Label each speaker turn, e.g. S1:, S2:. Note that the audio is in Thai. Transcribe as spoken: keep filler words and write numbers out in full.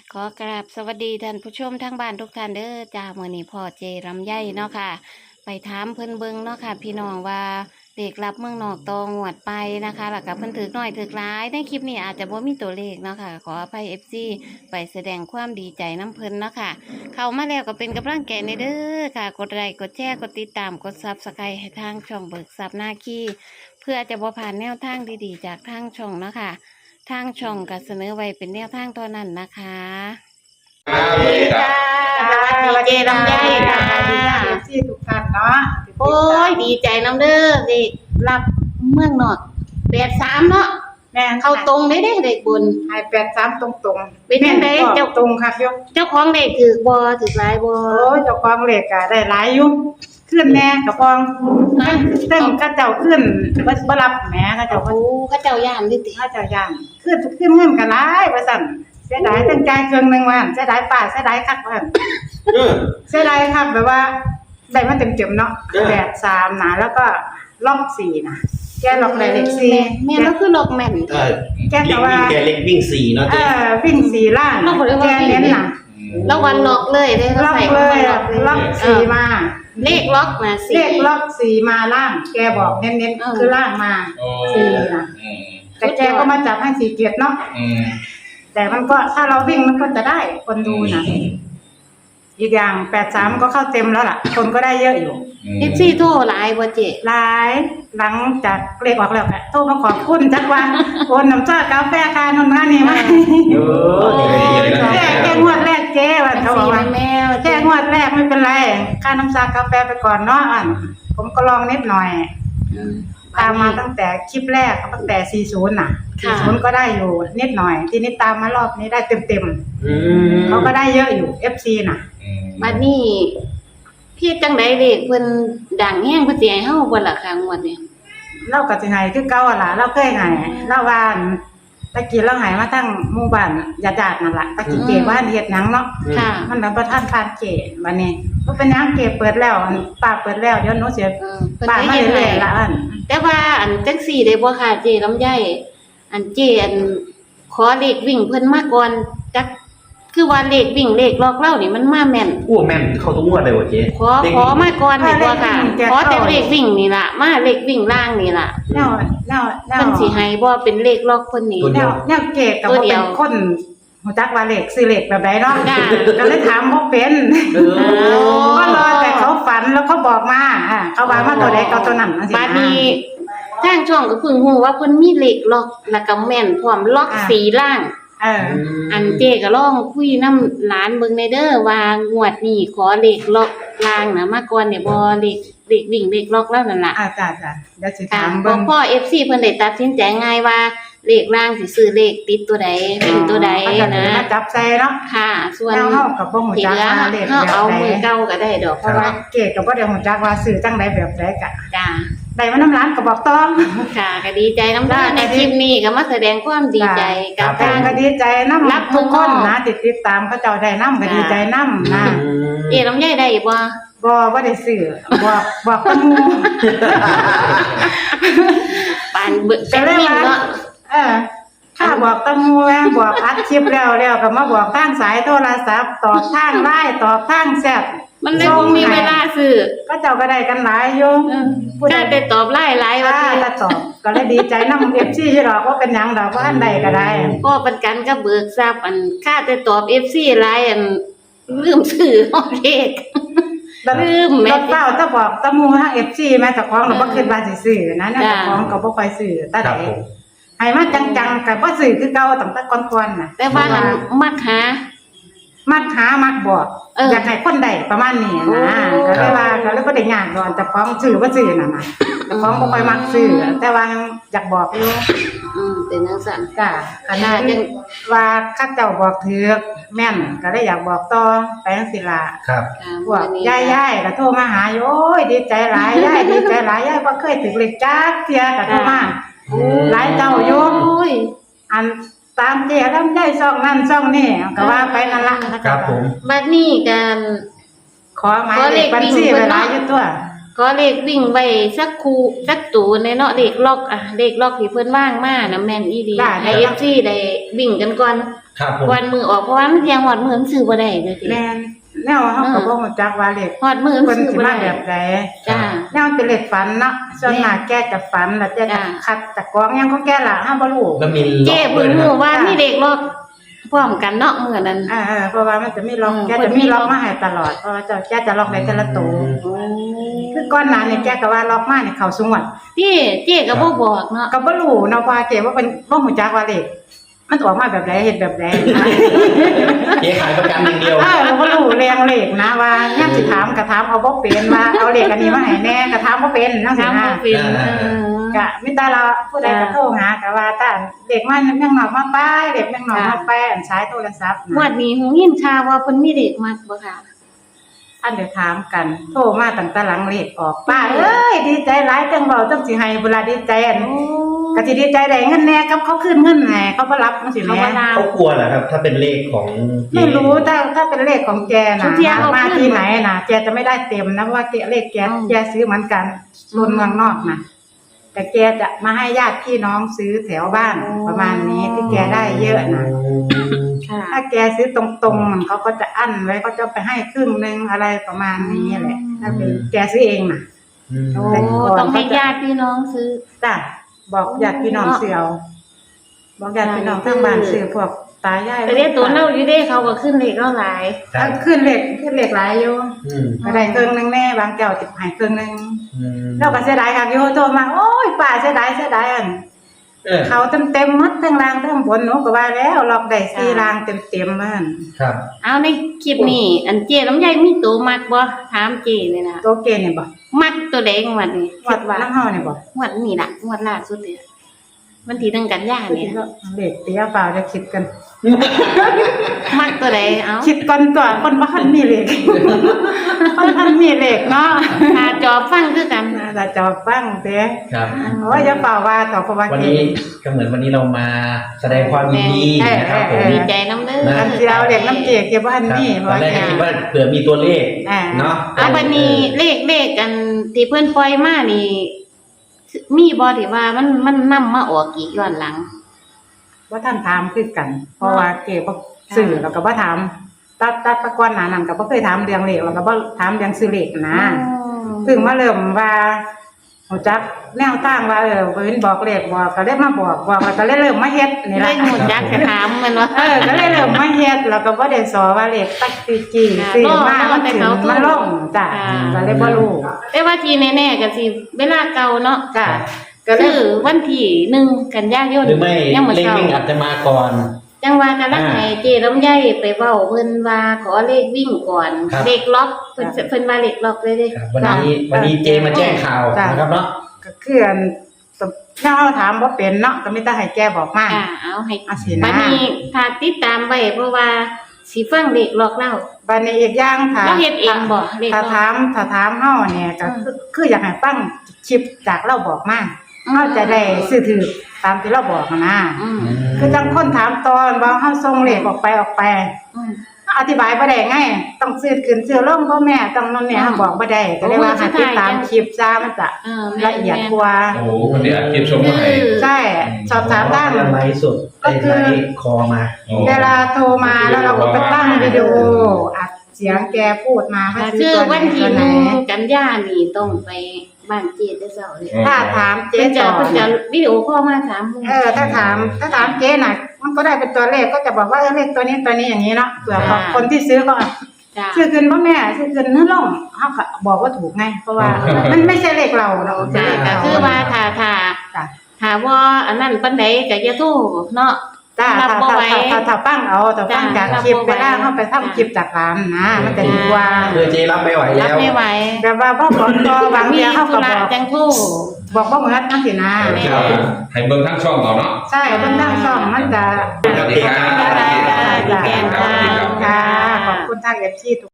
S1: ขอกราบสวัสดีท่านผู้ชมทั้งบ้านทุกท่านเด้อจ้าเมื่อนี้พ่อเจรำไยเนาะค่ะ ไปถามเพิ่นเบิงเนาะค่ะ พี่น้องว่าเด็กรับเมืองนอกตองวดไปนะคะแล้วกับเพิ่นถือหน่อยถือร้ายในคลิปนี้อาจจะบ่มีตัวเลขเนาะค่ะขออภัยเอฟซีไปแสดงความดีใจน้ำเพิ่นเนาะค่ะ เข้ามาแล้วก็เป็นกำลังใจในเด้อค่ะ กดไลค์กดแชร์กดติดตามกดซับสไครต์ให้ทางช่องเบิกซับหน้าขี้เพื่อจะบ่ผ่านแนวทางดีๆจากทางช่องเนาะค่ะทางช่องก็เสนอไว้เป็นแนวทางเท่านั้นนะคะสวัสดีค่ะสวัสดีเจรำไยค่ะ
S2: ที่ทุกท่านเนาะ
S1: โอ้ยดีใจน้ำเด้อเด็กรับเมืองนอกแปดสามเนาะ
S2: แม่
S1: เข้าตรงได้เด้เด็กบุญ
S2: ให้แปดสามตรงตรง
S1: เป็นจังได๋เจ้า
S2: ตรงค่ะโยม
S1: เจ้าของเด็กถือบ่ถือหลายบ่
S2: โอ้ยเจ้าของเลขก็ได้หลายอยู่ขึ้นแน่เจ้าของ
S1: ฮะ
S2: เต้นก็เจ้าขึ้นบ่บ่รับแหมก็เจ้า
S1: โอ้เขาเจ้าย่านดิติ
S2: ถ้าเจ้าย่างขึ้นขึ้นเงินก็หลายว่าซั่นเสียดายตั้งใจเครื่องนึงว่าเสียดายป้าเสียดายคักว่า
S3: เออ
S2: เสียดายคักแบบว่าได้มาเต็มๆเนาะ
S3: เออ
S2: แปดสามนะแล้วก็ล็อกสี่นะแกล็อกได้เลขสี่
S1: แม่นก็คือลอกแม่น
S3: เออ
S2: แกแต่ว่า
S3: แกเล็กวิ่งสี่เนาะ
S2: เอ
S3: เจ๊
S2: อวิ่งสี่ล้าน
S1: เราบ่ได้ว่า
S2: แกเน้นน่ะ
S1: แล้ววันล็อกเลยเด้
S2: ล็อก
S1: ใส่
S2: เลย
S1: ล็อก
S2: ล็อกสี่มา
S1: เลขล็อกนะ
S2: เล
S1: สี่
S2: ขล็อกสี่มาล่าง แกบอกเน้น
S1: เออ
S2: ๆคือล่างมา
S3: โอ้
S2: สี่นะ
S3: อืม
S2: แต่แกก็มาจับให้สี่เกียรติเนาะ
S3: อืม
S2: แต่มันก็ถ้าเราวิ่งมันก็จะได้คนดูนะอีกอย่างแปดสามก็เข้าเต็มแล้วล่ะ คนก็ได้เยอะอยู่
S1: เอฟซีโทรหลายบ่เจ
S2: หลายหลังจากเลขออกแล้วค่ะโทรมาขอบคุณจักวัน โอนน้ำชากาแฟคานนท์มานี่มา
S3: เออเดี๋ยวเดี๋ยวเดี๋ยว
S2: แค่แค่งวดแรกเจ๊วันเขาบอกว่า
S1: แม่ว่า
S2: แค่งวดแรกไม่เป็นไรค่าน้ำชากาแฟไปก่อนเนาะอันผมก็ลองนิดหน่อย
S1: อืม
S2: ตามมาตั้งแต่คลิปแรกตั้งแต่สี่สิบน่ะ
S1: ค่ะ
S2: สี่สิบก็ได้อยู่นิดหน่อย ทีนี้ตามมารอบนี้ได้เต็ม
S3: อืม
S2: ๆเขาก็ได้เยอะอยู่ เอฟ ซี น่ะ
S3: อืม
S1: บัดนี้พี่จังไดเด็กเพิ่นดังแฮงเพิ่นสิให้เฮาบ่ล่ะค่ะงวดนี้
S2: เราก็สิให้คือเก่าอะล่ะเราเคยให้เราว่าตะกี้เราให้มาทั้งหมู่บ้านญาติๆนั่นล่ะตะกี้เกบ้านเฮ็ดหยังเนาะ
S1: ค่ะ
S2: มันแล้วบ่ทันทานเกบัดนี้บ่เป็นหยังเกเปิดแล้วอันป้าเปิดแล้วเดี๋ยวหนูสิ
S1: เออเพิ่น
S2: ป้า
S1: ได้
S2: มา
S1: เฮ็ด
S2: เรื่
S1: ให้
S2: อยๆละอัน
S1: แต่ว่าอันจังซี่ได้บ่ค่ะเจลำไยอันเจอันขอเลขวิ่งเพิ่นมาก่อนจักคือว่าเลขวิ่งเลขล็อกเล่านี่มันมาแม่น
S3: อ้วแม่นเข้าทุกงวดเลยวะเจ๊
S1: ขอขอมาก่อนดีกว่าค่ะขอแต่เลขวิ่งนี่ล่ะมาเลขวิ่งล่างนี่ล่ะ
S2: แนวแนวแนว
S1: เพิ่นสิให้บ่เป็นเลขล็อกเพิ่นนี่
S2: แนวแนวเกก็บ่เป็นคนฮู้จักว่าเลขซื้อเลขแบบใดเนาะ
S1: จ้ะ
S2: ก็เลยถามบ่เป็น
S3: เออ
S2: ก็รอแต่เขาฝันแล้วเขาบอกมาอ่าเขาว่ามาตัวใดก็ตัวนั้นจังซี่
S1: บัดนี้ทางช่องก็เพิ่งฮู้ว่าเพิ่นมีเลขล็อกแล้วก็แม่นพร้อมล็อกสีล่าง
S2: เออ
S1: อันเจก็ลองคุยน้ำหลานเบิ่งในเด้อว่างวดนี้ขอเลขล็อกล่างนะมาก่อนเนี่ยบ่เลขเลขวิ่งเลขล็อกแล้วนั่นล่ะ
S2: อ่าจ้ะจ้ะเดี๋ยวสิ
S1: ค่ะ
S2: ถาม
S1: บ่
S2: เบิ่ง
S1: พ่อ เอฟ ซี เพิ่นได้ตัดสินใจง่ายว่าเลขล่างสิซื้อเลขติดตัวใดวิ่งตัวใด
S2: เขาจะ
S1: นะ
S2: มาจับใส่เนาะ
S1: ค่ะ ส่วน
S2: แล้วเฮาก็บ่ฮู้
S1: ที่
S2: จัก
S1: เหลือ
S2: ว่าเลข
S1: เฮา
S2: แบบ
S1: เอา
S2: ใด
S1: มือเก่าก็ได้ดอก
S2: เพราะว่าเกก็บ่ได้ฮู้จักว่าซื้อจังไดแบบใดก็
S1: จ้า
S2: ได้มาน้ำร้านก็บอกต้อง
S1: ค่ะก็ดีใจน้ำเด้อในคลิปนี้ก็มาแสดงความดีใจกับ
S2: แต่
S1: ทาง
S2: ก็ดีใจนำ
S1: รับ
S2: ทุกคน
S1: ทุกคน
S2: นะติดติดตามเขาเจ้าได้นำก็ดีใจนำนะ
S1: เอ๋ลำไยได้บ่
S2: บ่บ่ได้ซื้อบอกบอกกับหมู่
S1: ปานเบิกแต่วิ่งเนาะ
S2: เออถ้าบอกตะมูแม่บอกอัดคลิปแล้วแล้วก็มาบอกทางสายโทรศัพท์ตอบทางไลน์ตอบทางแชท
S1: มันเลยบ่มีเวลาซื้อ
S2: ก็เจ้าก็ได้กันหลายอยู่
S1: เออ
S2: ผู้ใด
S1: ได้แต่ตอบไล่ไล่ว่า
S2: อ่าถ้าตอบก็เลยดีใจนำ เอฟ ซี ที่ดอกว่าเป็นหยังดอกว่าอันใดก็ได้
S1: ก็เป็นกันก็เบิกทรัพย์อันค่าแต่ตอบ เอฟ ซี ไลน์อันลืมซื้อฮอดเลข ลืมแม่
S2: รถเป้าถ้าบอกตะมูทาง เอฟ ซี แม่ตะของเราบ่คิดว่าสิซื้อนะเนี่ย
S1: จ้ะ
S2: ตะของก็บ่ค่อยซื้อแต่
S3: ครั
S2: ใด
S3: บผม
S2: ให้มาจังๆก็บ่ซื้อคือเก่าตั้งแต่ก่อนๆน่ะ
S1: แต่ว่าหันมักหา
S2: มักหามักบอก
S1: เอออ
S2: อยากให้คนใดประมาณนี้นะ
S1: โอ้
S2: ก็เลยว่าก็เลยบ่ได้ยากดอกแต่ของซื้อบ่ซื้อนั่นน่ะแต่ของบ่ค่อยมักซื้อแต่ว่าอยากบอกอยู่
S1: อืมเป็นจังซั่น
S2: จ้ะขนาดยังว่าข้าเจ้าบอกถือแม่นก็เลยอยากบอกต่อไปจังซี่ล่ะ
S3: ครับ
S1: ค่ะ
S2: พวก
S1: มื้อนี้
S2: ยายยายก็โทรมาหาอยู่โอ้ยดีใจหลายยายดีใจหลายยายบ่เคยถึงเลขจักเที่ยก็โทรมา
S1: โอ้
S2: หลายเจ้าอยู่
S1: โอ้ย
S2: อันตามเจ้ลำไยซ่องนั่นซ่องนี่ก็ว่าไปนั่นล่ะ
S3: ครับผม
S1: บัดนี้กัน
S2: ขอหมายเลขบัญชีไว้หลายอยู่ตัว
S1: ก็เลขวิ่งไว้สักคูสักตูในเนาะเลขล็อกอ่ะเลขล็อกที่เพิ่นว่างมานะแม่นอีดี
S2: ได้
S1: ให้
S2: ได้
S1: เอฟซีได้วิ่งกันก่อน
S3: ครับผม
S1: วันมือออกเพราะว่ามันเที่ยงหอดมือมันซื้อบ่ได้เด้อเจ๊
S2: แม่นแนวเฮาก็บ่รู้จักว่าเลข
S1: หอดมือมัน
S2: เพิ่น
S1: ซื้อ
S2: สิ
S1: บ่
S2: มา
S1: ได้
S2: แบบใด
S1: จ้า
S2: แนวเป็นเลขฝันเนาะส่วนมากแกจะฝันแล้วแกจะ
S1: จ้ะ
S2: คัดจากกองหยังของแกล่ะเฮาบ่รู้
S3: แล้วมีล็
S1: เจ๊
S3: อกด้
S1: เพิ่
S3: วย
S1: ง
S3: นะค
S1: รู้
S3: รับ
S1: ว่ามีเด็กรอบพร้อมกันเนาะมื้อนั้น
S2: อ่าๆเพราะว่ามันจะมีล็อก
S1: อืม
S2: แกจะมีล็อกมาให้ตลอดเพราะว่าเจ้าแกจะล็อกได้แต่ละตัว
S1: โอ้
S2: คือก่อนหน้านี่แกก็ว่าล็อกมานี่เข้าสงวด
S1: พี่เจ๊ก็บ่บอกเนาะ
S2: ก็บ่รู้เนาะว่าแกว่าเป็นบ่ฮู้จักว่าเลขมันออกมาแบบใดเฮ็ดแบบใด
S3: เจ๊ขายประกันอย่างเดียว
S2: เออเราบ่รู้เรียงเลขนะว่ายามสิถามก็ถามเอาบ่เป็นว่าเอาเลขอันนี้มาให้แน่ก็ถามบ่เป็นจังซี่
S1: ถาม
S2: นะ
S1: บ่เป็นเออ
S2: ก็มีแต่เราผู้ใดก็โทรหาก็ว่าแต่เด็กมันเมืองนอกมาป้ายเด็กเมืองนอกมาแป้นใช้โทรศัพท์
S1: งวดนี้หูยินข่าวว่าเพิ่นมีเด็กมักบ่ค่ะ
S2: อันเดี๋ยวถามกัน โทรมาตั้งแต่หลังเลขออกป้าเอ้ยดีใจหลายจังเว้าจังสิให้เวลาดีใจอันก็สิดีใจได้เงินแน่กับเขาคืนเงินให้เขาบ่รับจังซี่
S1: เขา
S2: แห
S1: บ่
S2: ม
S1: รับ
S3: เขากลัวเหรอครับ ถ้าเป็นเลขของเจ๊
S2: ไม่รู้ถ้าถ้าเป็นเลขของแก
S1: ทุ
S2: นะ
S1: กอย่างเอา
S2: มา
S1: ขึ้น
S2: ที่ไหนนะแกจะไม่ได้เต็มนะเพราะว่าแกเลขแก
S1: อืม
S2: แกซื้อเหมือนกันรนเมืองนอกนะแต่แกจะมาให้ญาติพี่น้องซื้อแถวบ้านประมาณนี้ที่แกได้เยอะนะ
S1: ค่ะ
S2: ถ้าแกซื้อตรงๆมันเขาก็จะอั้นไว้เขาจะไปให้ครึ่งนึงอะไรประมาณนี้แหละถ้าเป็นแกซื้อเองนะ
S3: อืม
S1: โอ้
S2: แต่ก่อน
S1: ต้องให้ญาติพี่น้องซื้อ
S2: จ้ะบอกญาติพี่น้องซื้อเอาบอกญาติพี่น้องข้างบ้านซื้อพวกตายาย
S1: แต่เรียกตัวเล่าอยู่เด้เขาก็ขึ้นเลขเล่าหลาย
S3: ครับ
S2: ขึ้นเลขขึ้นเลขหลายอยู่
S3: อืม
S2: ก็ได้ครึ่งนึงแน่บางแก้วติดหายครึ่งนึง
S3: อืม
S2: เราก็เสียดายค่ะโยโทรมาโอ้ยป้าเสียดายเสียดายอัน
S3: เออ
S2: เขาเต็มเต็มๆหมัดทั้งล่างทั้งบนหนูก็ว่าแล้วล็อกได้สี่ล่างเต็มเต็มๆมัน
S3: ครับ
S1: เอาในคลิปนี้อันเจลำไยมีตัวมักบ่ถามเจเลยนะ
S2: โตเกเนี่ยบ่
S1: มักตัวแดงงวดนี้
S2: วั
S1: คิ
S2: ด
S1: ด
S2: ว่า
S1: ว่า
S2: น้ำเฮาเนี่ยบ่
S1: งวดนี้ล่ะงวดล่าสุดเลยวันที่หนึ่งกันยาเนี่ย
S2: เด็กเตี้ยเปล่าจะคิดกัน
S1: มักตัวใดเอา
S2: คิดก่อนตัวคนบ่ทันมีเลข คนทันมีเลขเนาะ
S1: ถ้าจอบฟังคือกัน
S2: น่าจะจอบฟังเด้
S3: ครับ
S2: โอ้ยอย่าเปล่าว่าต่อเพราะว่า
S3: วัน
S2: เก
S3: นี้ก็เหมือนวันนี้เรามาแสดงความยินดีนะครับผม
S1: ดีใจน้ำเด้อ
S3: นะ
S2: อันที่เราเรียกน้ำเกกเก็บบ่ทัน
S3: ครับ
S2: มีเพ
S3: ต
S2: ราะ
S3: อน
S2: ว่า
S3: แรก
S2: แก
S3: ก็คิดว่าเผื่อมีตัวเลข
S2: อ่า
S3: เนาะ
S1: เอาบัดนี้เลขเลขกันที่เพิ่นปล่อยมานี่มีบ่ที่ว่ามันมันนำมาออกอีกย้อนหลัง
S2: ว่าท่านถามคือกัน เพราะว่าเก็บบ่ซื้อแล้วก็บ่ถามตัดตัดตะกอนหนานั้นก็บ่เคยถามเรื่องเลขแล้วก็บ่ถามเรื่องซื้อเลขนะเพิ่งมาเริ่มว่าฮู้จักแนวทางว่าเออเพิ่นบอกเลขบอกก็เลยมาบอกบอกแล้วก็เลยเริ่มมาเฮ็ดนี่
S1: เล
S2: ล่ะ
S1: ขหมดจักจะถามมันว่า
S2: เออก็เลยเริ่มมาเฮ็ดแล้วก็บ่ได้สอว่าเลขตักติจีซื้อมามันถึงมาลงจ้ะก็เลยบ่รู้
S1: แต่ว่าที่แน่ๆก็สิเวลาเก่าเนาะ
S2: จ้ะก็เล
S1: คื
S2: ย
S1: อวันที่หนึ่งกันยายน
S3: หรือไม่
S1: ยังบ่
S3: เลข
S1: เช้า
S3: วิ่งอาจจะมาก่อน
S1: จังว่ากันลักให้เจลำไยไปเว้าเพิ่นว่าขอเลขวิ่งก่อน
S3: ครับ
S1: เลขล็อกเพิ่นเพิ่นว่าเลขล็อกเลยเด้
S3: ครับวันนี้วันนี้เจมาแจ้งข่าวนะครับเนาะ
S2: ก็คืออันถ้าเราถามบ่เป็นเนาะก็มีแต่ให้แกบอกมา
S1: อ่าเอาให้
S2: อาสิ
S1: บั
S2: นะ
S1: ดนี้ถ้าติดตามไว้เพราะว่าสิฟังเลขล็อกเล่า
S2: บัดนี้อีกอย่างค่ะ
S1: เราเฮ็ดเองบ่เลข
S2: ถ้า
S1: ล็อก
S2: ถามถ้าถามเฮาเนี่ยก็
S1: อืม
S2: คือคืออยากให้ฟังคลิปจากเราบอกมา
S1: อืม
S2: เฮาจะได้ซื้อถือตามที่เราบอกอะนะ
S1: อืม
S2: คือจังคนถามตอนว่าเฮาส่งเลขออกไปออกไป
S1: อืม
S2: อธิบายบ่ได้ไงต้องซื้อขึ้นซื้อลงพ่อแม่ต้องนั่นเนี่ย
S1: อืม
S2: เฮาบอกบ่ได้ก็เลยว่า
S1: โอ้
S2: ให้ติดตาม
S1: สุดท้าย
S2: คลิปจ้ามันจะ
S1: เออแม่น
S2: ละเอียดกว่า
S4: โอ้โหคนนี้อัดคลิปชมมาให้
S2: ใช่สอบถามได้
S3: ไลฟ์สด
S2: ก็คือ
S3: ไลฟ์คอมา
S4: โอ้
S2: เวลาโทรมาแล้วเราก็ไปตั้งวิดีโออัดเสียงแกพูดมาว่าซื้
S1: คือ
S2: อตัวไหน
S1: วันที่
S2: ตัว
S1: ห
S2: ไหน
S1: นึ่งกันยานี่ต้องไปบ้านเจแต่เช้าเลย
S2: ถ้าถามเจ๊
S1: เพิ่นจะ
S2: ต่อ
S1: เพิ่นจะวิดีโอคอลมาถาม
S2: เออถ้าถามถ้าถามเจ๊น่ะ มันก็ได้เป็นตัวเลขก็จะบอกว่าเออเลขตัวนี้ตัวนี้อย่างนี้เนาะเผื่อคนที่ซื้อก็
S1: จ้า
S2: ซื้อขึ้นพ่อแม่ซื้อขึ้นเนื้อล่องเขาก็บอกว่าถูกไงเพราะว่ามันไม่ใช่เลขเราเนาะ
S1: จ้าก็คือว่าถ้าถ้า
S2: จ้ะ
S1: ถ้าว่าอันนั้นปานใดก็อย่าโทรเนาะ
S2: จ้า
S1: รั
S2: ถ้า
S1: บบ่
S2: ถ้า
S1: ไหว
S2: ถ้าถ้าฟังเอาถ้าฟัง
S1: จ้ะ
S2: จากคลิป
S1: รับบ่
S2: เว
S1: ไหว
S2: ลาเขาไปทำคลิปจากร้านนะมันจะดีกว่า
S3: คือเจรับไม่ไหว
S1: รั
S3: แล้
S1: บ
S3: ว
S1: ไม่ไหว
S2: แต่ว่าพ่อบอกก็บาง
S1: มี
S2: ทีเขา
S1: ธุ
S2: ก็
S1: ระ
S2: บอก
S1: จังโทร
S2: บอกว่าเหมือนนั่นสินะ
S1: แม่
S4: จะให้เบิ่งทั้งช่องเราเนาะ
S2: ใช่เพิ่นนั่งซ่อมมันจะ
S4: สวัสดีครับ
S1: จ้าจ้าจ้า
S2: ค่ะขอบคุณทางเอฟซีทุก